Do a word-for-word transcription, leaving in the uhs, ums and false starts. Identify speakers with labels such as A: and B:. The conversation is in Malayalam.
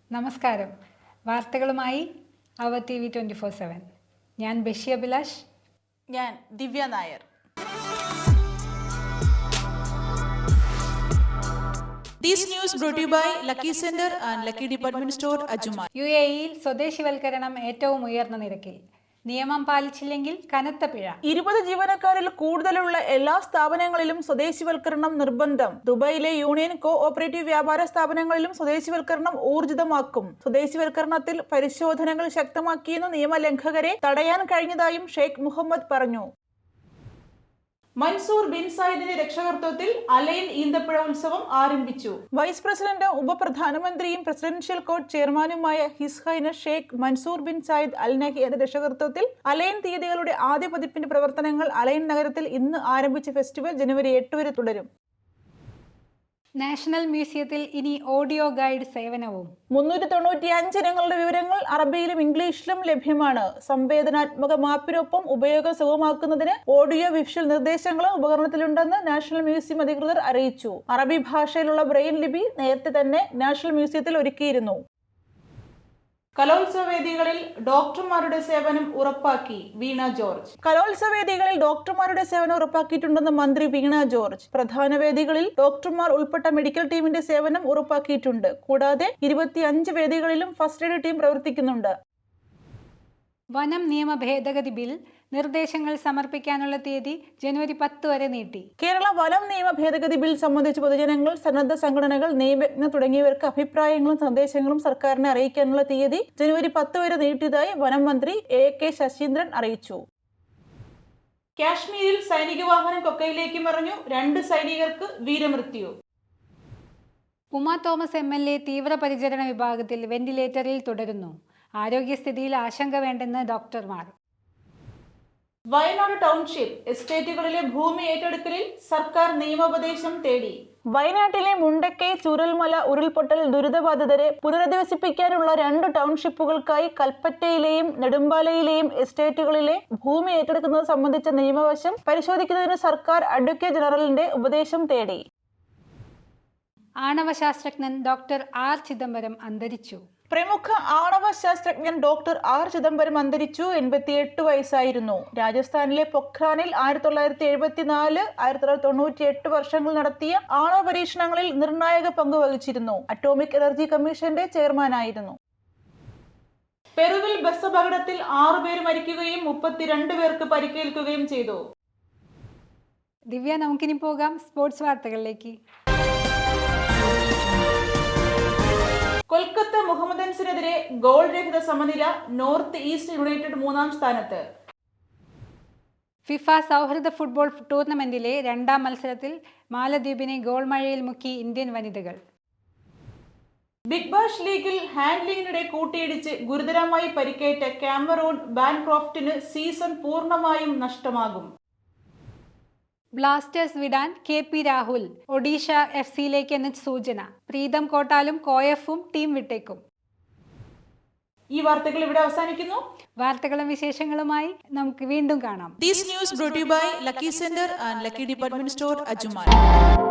A: നമസ്കാരം. വാർത്തകളുമായി അവർ T V twenty four seven. ഞാൻ ബഷി അഭിലാഷ്.
B: ഞാൻ Divya Nair. This news brought to you by Lucky Center and Lucky Department Store, Ajmal.
A: യു എ ഇയിൽ സ്വദേശിവൽക്കരണം ഏറ്റവും ഉയർന്ന നിരക്കിൽ. നിയമം പാലിച്ചില്ലെങ്കിൽ കനത്ത പിഴ.
B: ഇരുപത് ജീവനക്കാരിൽ കൂടുതലുള്ള എല്ലാ സ്ഥാപനങ്ങളിലും സ്വദേശിവൽക്കരണം നിർബന്ധം. ദുബായിലെ യൂണിയൻ കോ ഓപ്പറേറ്റീവ് വ്യാപാര സ്ഥാപനങ്ങളിലും സ്വദേശിവൽക്കരണം ഊർജിതമാക്കും. സ്വദേശിവൽക്കരണത്തിൽ പരിശോധനകൾ ശക്തമാക്കിയെന്ന് നിയമലംഘകരെ തടയാൻ കഴിഞ്ഞതായും ഷെയ്ഖ് മുഹമ്മദ് പറഞ്ഞു. മൻസൂർ ബിൻ സായിദിന്റെ രക്ഷകർത്തത്തിൽ അലൈൻ ഈന്തപ്പഴ ഉത്സവം ആരംഭിച്ചു. വൈസ് പ്രസിഡന്റും ഉപപ്രധാനമന്ത്രിയും പ്രസിഡൻഷ്യൽ കോർട്ട് ചെയർമാനുമായ His Highness Sheikh Mansour bin Zayed Al നഹിയുടെ രക്ഷകർത്തത്തിൽ അലൈൻ തീയതികളുടെ ആദ്യ പതിപ്പിന്റെ പ്രവർത്തനങ്ങൾ അലൈൻ നഗരത്തിൽ ഇന്ന് ആരംഭിച്ച ഫെസ്റ്റിവൽ ജനുവരി എട്ട് വരെ തുടരും.
A: നാഷണൽ മ്യൂസിയത്തിൽ ഇനി ഓഡിയോ ഗൈഡ് സേവനവും.
B: മുന്നൂറ്റി തൊണ്ണൂറ്റി അഞ്ച് ഇനങ്ങളുടെ വിവരങ്ങൾ അറബിയിലും ഇംഗ്ലീഷിലും ലഭ്യമാണ്. സംവേദനാത്മക മാപ്പിനൊപ്പം ഉപയോഗം സുഗമമാക്കുന്നതിന് ഓഡിയോ വിഷ്വൽ നിർദ്ദേശങ്ങളും ഉപകരണത്തിലുണ്ടെന്ന് നാഷണൽ മ്യൂസിയം അധികൃതർ അറിയിച്ചു. അറബി ഭാഷയിലുള്ള ബ്രെയിൻ ലിപി നേരത്തെ തന്നെ നാഷണൽ മ്യൂസിയത്തിൽ ഒരുക്കിയിരുന്നു. കലോത്സവ വേദികളിൽ ഡോക്ടർമാരുടെ സേവനം ഉറപ്പാക്കി വീണ ജോർജ്. കലോത്സവ വേദികളിൽ ഡോക്ടർമാരുടെ സേവനം ഉറപ്പാക്കിയിട്ടുണ്ടെന്ന് മന്ത്രി വീണ ജോർജ്. പ്രധാന വേദികളിൽ ഡോക്ടർമാർ ഉൾപ്പെട്ട മെഡിക്കൽ ടീമിന്റെ സേവനം ഉറപ്പാക്കിയിട്ടുണ്ട്. കൂടാതെ ഇരുപത്തി അഞ്ച് വേദികളിലും ഫസ്റ്റ് എയ്ഡ് ടീം പ്രവർത്തിക്കുന്നുണ്ട്.
A: വനം നിയമ ഭേദഗതി ബിൽ നിർദ്ദേശങ്ങൾ സമർപ്പിക്കാനുള്ള തീയതി ജനുവരി പത്ത് വരെ നീട്ടി.
B: കേരള വനം നിയമ ഭേദഗതി ബിൽ സംബന്ധിച്ച് പൊതുജനങ്ങൾ, സന്നദ്ധ സംഘടനകൾ, നിയമജ്ഞർ തുടങ്ങിയവർക്ക് അഭിപ്രായങ്ങളും നിർദ്ദേശങ്ങളും സർക്കാരിനെ അറിയിക്കാനുള്ള തീയതി ജനുവരി പത്ത് വരെ നീട്ടിയതായി വനം മന്ത്രി എ കെ ശശീന്ദ്രൻ അറിയിച്ചു. കാശ്മീരിൽ സൈനിക വാഹനം കൊക്കയിലേക്ക് മറിഞ്ഞു. രണ്ട് സൈനികർക്ക് വീരമൃത്യു.
A: Uma Thomas M L A തീവ്രപരിചരണ വിഭാഗത്തിൽ വെന്റിലേറ്ററിൽ തുടരുന്നു. ആരോഗ്യസ്ഥിതിയിൽ ആശങ്ക വേണ്ടെന്ന് ഡോക്ടർമാർ.
B: വയനാട് ടൗൺഷിപ്പ് എസ്റ്റേറ്റുകളിലെ ഭൂമി ഏറ്റെടുക്കലിൽ സർക്കാർ നിയമോപദേശം തേടി. വയനാട്ടിലെ മുണ്ടക്കൈ ചൂരൽമല ഉരുൾപൊട്ടൽ ദുരിതബാധിതരെ പുനരധിവസിപ്പിക്കാനുള്ള രണ്ട് ടൗൺഷിപ്പുകൾക്കായി കൽപ്പറ്റയിലെയും നെടുമ്പാലയിലെയും എസ്റ്റേറ്റുകളിലെ ഭൂമി ഏറ്റെടുക്കുന്നത് സംബന്ധിച്ച നിയമവശം പരിശോധിക്കുന്നതിന് സർക്കാർ അഡ്വക്കേറ്റ് ജനറലിന്റെ ഉപദേശം തേടി.
A: ആണവ ശാസ്ത്രജ്ഞൻ ഡോക്ടർ ആർ ചിദംബരം അന്തരിച്ചു.
B: പ്രമുഖ ആണവ ശാസ്ത്രജ്ഞൻ ഡോക്ടർ ആർ ചിദംബരം അന്തരിച്ചു. എൺപത്തിയെട്ട് വയസ്സായിരുന്നു. രാജസ്ഥാനിലെ പൊഖ്രാനിൽ ആയിരത്തി തൊള്ളായിരത്തി എഴുപത്തിനാല് ആയിരത്തി തൊള്ളായിരത്തി തൊണ്ണൂറ്റി എട്ട് വർഷങ്ങൾ നടത്തിയ ആണവ പരീക്ഷണങ്ങളിൽ നിർണായക പങ്ക് വഹിച്ചിരുന്നു. അറ്റോമിക് എനർജി കമ്മീഷന്റെ ചെയർമാനായിരുന്നു. പെറുവിൽ ബസ് അപകടത്തിൽ ആറുപേർ മരിക്കുകയും മുപ്പത്തിരണ്ട് പേർക്ക് പരിക്കേൽക്കുകയും ചെയ്തു.
A: ദിവ്യ, നമുക്കിനി പോകാം സ്പോർട്സ് വാർത്തകളിലേക്ക്.
B: കൊൽക്കത്ത മുഹമ്മദൻസിനെതിരെ ഗോൾ രഹിത സമനില. നോർത്ത് ഈസ്റ്റ് യുണൈറ്റഡ് മൂന്നാം സ്ഥാനത്ത്.
A: ഫിഫ സൗഹൃദ ഫുട്ബോൾ ടൂർണമെന്റിലെ രണ്ടാം മത്സരത്തിൽ മാലദ്വീപിനെ ഗോൾ മഴയിൽ മുക്കി ഇന്ത്യൻ വനിതകൾ.
B: ബിഗ് ബാഷ് ലീഗിൽ ഹാൻഡ്ലിങ്ങിനിടെ കൂട്ടിയിടിച്ച് ഗുരുതരമായി പരിക്കേറ്റ കാമറൂൺ ബാൻക്രോഫ്റ്റിന് സീസൺ പൂർണ്ണമായും നഷ്ടമാകും.
A: ബ്ലാസ്റ്റേഴ്സ് വിടാൻ കെ പി രാഹുൽ ഒഡീഷ എഫ് സിയിലേക്ക് എന്ന സൂചന. പ്രീതം കോട്ടാലും കോയഫും ടീം വിട്ടേക്കും.
B: ഈ വാർത്തകൾ ഇവിടെ അവസാനിക്കുന്നു.
A: വാർത്തകളും വിശേഷങ്ങളുമായി നമുക്ക് വീണ്ടും കാണാം.
B: This news brought to you by Lucky Center and Lucky Department Store, Ajmal.